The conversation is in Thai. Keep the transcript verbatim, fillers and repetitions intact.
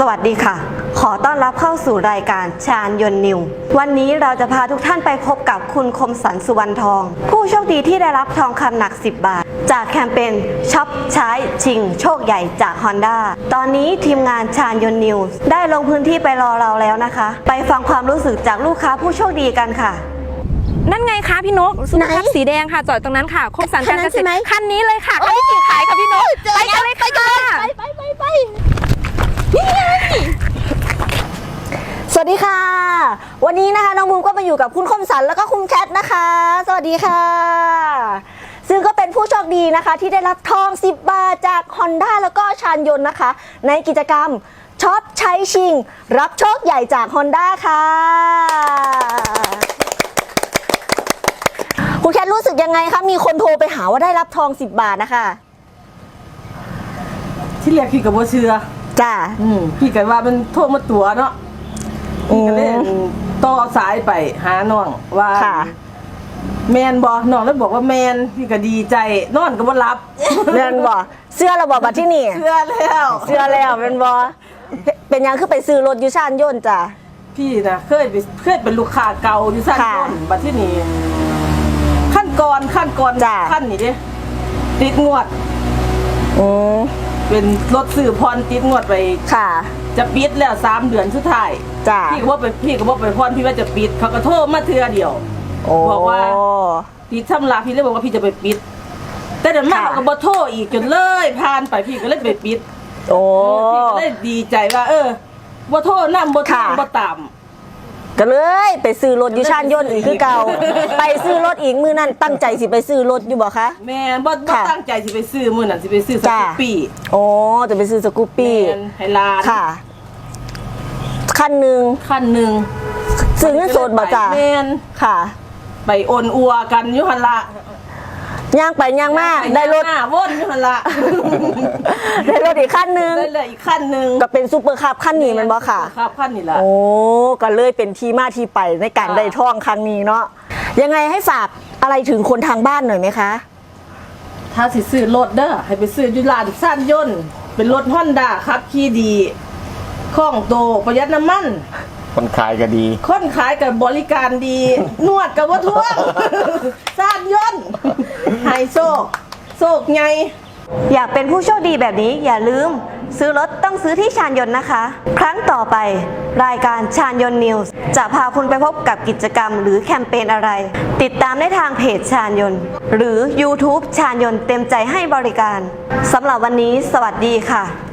วัสดีค่ะขอต้อนรับเข้าสู่รายการชาญยนต์นิววันนี้เราจะพาทุกท่านไปพบกับคุณคมสันต์สุวรรณทองผู้โชคดีที่ได้รับทองคำหนักสิบบาทจากแคมเปญช็อปใช้ชิงโชคใหญ่จาก Honda ตอนนี้ทีมงานชาญยนต์นิวได้ลงพื้นที่ไปรอเราแล้วนะคะไปฟังความรู้สึกจากลูกค้าผู้โชคดีกันค่ะนั่นไงคะพี่นกซุปเปอร์คัพสีแดงค่ะจอดตรงนั้นค่ะคมสันต์การเกษตรคันนี้เลยค่ะคันที่ขายค่ะพี่นกไปกันเลยค่ะไปไปไปไปสวัสดีค่ะวันนี้นะคะน้องบูมก็มาอยู่กับคุณคมสันต์แล้วก็คุณแคทนะคะสวัสดีค่ะซึ่งก็เป็นผู้โชคดีนะคะที่ได้รับทองสิบบาทจาก Honda แล้วก็ชาญยนต์นะคะในกิจกรรมช็อปใช้ชิงรับโชคใหญ่จาก Honda ค่ะคุณแคทรู้สึกยังไงคะมีคนโทรไปหาว่าได้รับทองสิบบาทนะคะที่เรียกพี่กับโบเชื่อจ้าพี่กันว่ามันโทรมาตัวเนาะพี่ก็เลยต่อสายไปหาน้องว่าแมนบอน้องแล้วบอกว่าแมนพี่ก็ดีใจนอนก็บ่รับแมนบอเสื้อเราบอกมาที่นี่เสื้อแล้วเสื้อแล้วเป็นบอเป็นยังคือไปซื้อรถยูชานยนต์จ้ะพี่นะเคยไปเคยเป็นลูกค้าเก่ายูชานยนต์บัดที่นี่ขั้นก่อนขั้นก่อนขั้นนี่ดิติดงวดอืมเป็นรถสื่อพรติดงวดไปค่ะจะปิดแล้วสามเดือนสุดท้ายจ้ะพี่ก็ว่าไปพี่ก็ว่าไปพรพี่ว่าจะปิดเขาก็โทรมาเทือเดียวบอกว่าพี่ทำลาพี่เลยบอกว่าพี่จะไปปิดแต่เดี๋ยวมาเขาก็บอกโทรอีกจนเลยผ่านไปพี่ก็เลยไปปิดโอ้พี่ก็เลยดีใจว่าเออบ่โทรนั่งบ่ทำบ่ตามก็เลยไปซื้อรถยูชานยนต์อีกคือเก่าไปซื้อรถอีกมือนั่นตั้งใจสิไปซื้อรถอยู่บ่คะแม่บ่บ่ตั้งใจสิไปซื้อมื้อนั้นสิไปซื้อสกูปปี้โอ้จะไปซื้อสกูปปี้ให้หลานค่ะคันหนึ่งคันหนึ่งซื้อเงินสดบ่จ้ะแม่นค่ะไปโอนอัวกันอยู่หั่นละย่างไปย่างมาได้รถวนอยู่หั่นละได้รถอีกคันหนึ่งได้เลยอีกคันหนึ่งก็เป็นซูเปอร์คัพคันนี้มันบ่ค่ะครับคันนี้ละโอ้ก็เลยเป็นที่มาที่ไปในการได้ทองครั้งนี้เนาะยังไงให้ฝากอะไรถึงคนทางบ้านหน่อยไหมคะถ้าสิซื้อรถเด้อให้ไปซื้ออยู่ร้านชาญยนต์เป็นรถ Honda ครับขี่ดีคล่องโตประหยัดน้ำมันคนขายก็ดีคนขายกับบริการดีนวดกับว่าทั่วชาญยนต์ไฮโซโซกไงอยากเป็นผู้โชคดีแบบนี้อย่าลืมซื้อรถต้องซื้อที่ชาญยนต์นะคะ ครั้งต่อไปรายการชาญยนต์นิวส์จะพาคุณไปพบกับกิจกรรมหรือแคมเปญอะไรติดตามได้ทางเพจชาญยนต์หรือ ยูทูบ ชาญยนต์เต็มใจให้บริการสำหรับวันนี้สวัสดีค่ะ